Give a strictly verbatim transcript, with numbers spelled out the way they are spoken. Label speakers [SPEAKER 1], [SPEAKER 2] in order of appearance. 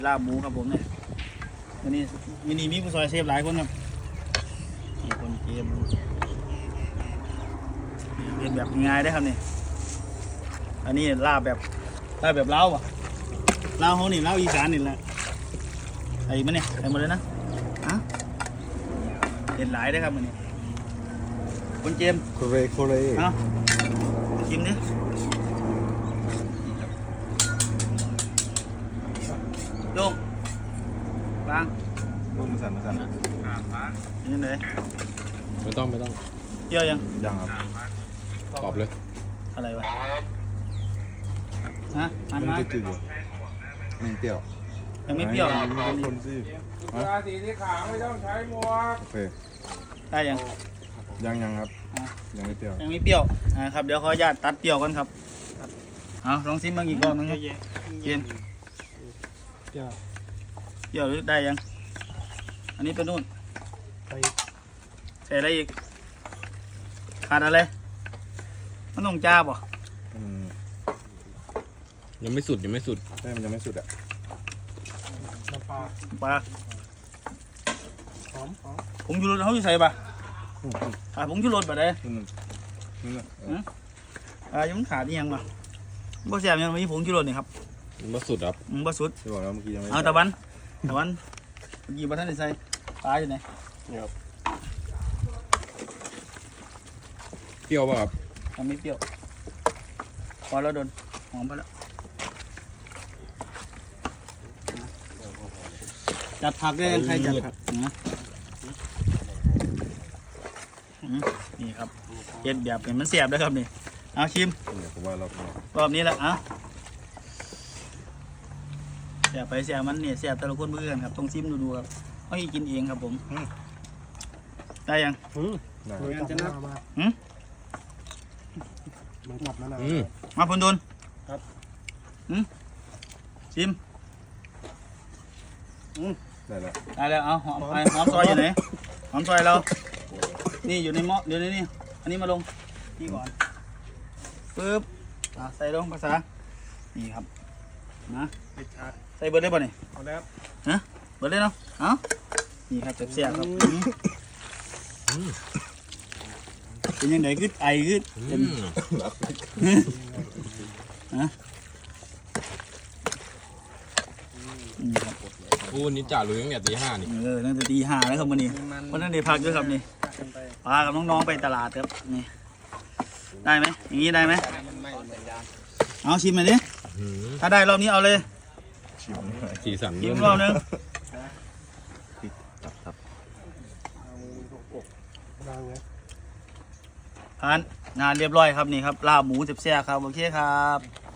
[SPEAKER 1] ลาบหมูครับผมเนี่ยวันนี้มินิมีผู้ซอยเชฟหลายคนครับมีคนเกมเป็นแบบง่ายได้ครับนี่อันนี้ลาบแบบลาบแบบเล้าอ่ะเล้าเขานี่เล้าอีสานนี่แหละไอ้มันเนี่ยไอ้หมดเลยนะฮะเห็นหลายได้ครับมันนี่คนเกม
[SPEAKER 2] โคเรโคเร
[SPEAKER 1] เอาชิมดิโยงบาง
[SPEAKER 2] ต้มมาสั่นมาสั่น
[SPEAKER 1] นี่ไหน
[SPEAKER 3] ไม่ต้องไม่ต้อง
[SPEAKER 1] เปรี้ยวยัง
[SPEAKER 2] ยังครับ
[SPEAKER 3] ตอบเลย
[SPEAKER 1] อะไรวะฮะอัน
[SPEAKER 2] มัน
[SPEAKER 1] มา
[SPEAKER 2] จะจืดอยู่ไม่เปรี้ยว
[SPEAKER 1] ยังไม่เปรี้ยว
[SPEAKER 2] ไม่ต้องคนสิ
[SPEAKER 4] ราศีที่ขาวไม่ต้องใช้หมวก
[SPEAKER 2] โอเค
[SPEAKER 1] ได้ยัง
[SPEAKER 2] ยังยังครับยังไม่เปรี้ยว
[SPEAKER 1] ยังไม่เปรี้ยวอ่าครับเดี๋ยวขออนุญาตตัดเปรี้ยวกันครับเอาลองซิมบางอีกรอบนึงครับเย็นเปรี้ยวหรือได้ยังอันนี้เป็นนู่นใส่อะไรอีกขาดอะไรมันต้องจ้าป่ะ
[SPEAKER 2] อืม
[SPEAKER 3] ยังไม่สุดยังไม่สุด
[SPEAKER 2] ใช่มันยังไม่สุดอ่ะ
[SPEAKER 4] น้ำปลา
[SPEAKER 1] ปลา
[SPEAKER 4] หอมหอม
[SPEAKER 1] ผงชูรสเขาจะใส่ป่ะ
[SPEAKER 2] อืม
[SPEAKER 1] อ่าผงชูรสป่ะเด้
[SPEAKER 2] อืมนี่นะเออ
[SPEAKER 1] อ่ายังมันขาดนี่ยังป่ะบ่แซ่บยังมีผงชูรสนี่ครับ
[SPEAKER 3] ยังไม่สุดครับ
[SPEAKER 1] อืมบ่สุด
[SPEAKER 2] ที่บอกแล้วเมื่อกี้ยังไม่
[SPEAKER 1] เอาตะวันตะวันเมื่อกี้บ่ทันได้ใส่ปลาอยู่ไหน
[SPEAKER 3] เปรี้ยวป่ะครับ
[SPEAKER 1] ยังไม่เปรี้ยวพอแล้วโดนหอมพอแล้วจัดผักได้ยังใครจัดผักนะอืมนี่ครับเย็ดแบบเป็นมันเสียบด้วยครับนี่เอาชิม
[SPEAKER 2] เนี่ยผมว่าเรา
[SPEAKER 1] รอบนี้แหละอ่ะเสียบไปเสียบมันเนี่ยเสียบแต่ละคนเพื่อนครับต้องชิมดูดูครับเอาให้กินเองครับผมได้ยัง
[SPEAKER 2] ได้
[SPEAKER 4] เหมือนกันจะนับมา
[SPEAKER 1] หืม
[SPEAKER 4] เหมือนกับนั่นแหละ
[SPEAKER 3] อืม
[SPEAKER 1] มาพนดน
[SPEAKER 4] ครับ
[SPEAKER 1] หืมชิม
[SPEAKER 2] ได้แล้ว
[SPEAKER 1] ได้แล้วเอาหอมไอ้หอมซอยอยู่ไหนหอมซอยเรา นี่อยู่ในหม้อเดี๋ยวนี้นี่อันนี้มาลงนี่ก่อนปึ๊บอ่ะใส่ลงภาษานี่ครับนะ
[SPEAKER 4] ปิดชาร์จ
[SPEAKER 1] ใส่เบิร์ดได้ป่ะนี่
[SPEAKER 4] เอาแล้ว
[SPEAKER 1] ฮะเบิร์ดได้เนาะเอานี่ครับเสียบๆครับอืมเป็นยังไงคือไอคือ
[SPEAKER 3] อื
[SPEAKER 1] เป็น
[SPEAKER 3] ม
[SPEAKER 1] ฮะนี่ครับ
[SPEAKER 3] โอ้นี่จ่าลุยตั้งแต่ตีห้านี่
[SPEAKER 1] เออตั้งแต่ตีห้าแล้วครับวันนี้วันนั้นได้พักด้วยครับนี่พากับน้องๆไปตลาดครับนี่ได้ไหมอย่างนี้ได้ไหมเอาชิมหน่อยดิ
[SPEAKER 3] อืม
[SPEAKER 1] ถ้าได้รอบนี้เอาเลย
[SPEAKER 2] ชิมหน่อย
[SPEAKER 3] สีสัน
[SPEAKER 1] ชิมรอบนึง
[SPEAKER 2] ตับตับ
[SPEAKER 4] ดังเลย
[SPEAKER 1] ผ่านงานเรียบร้อยครับนี่ครับลาบหมูเสียบๆครับโอเคครับ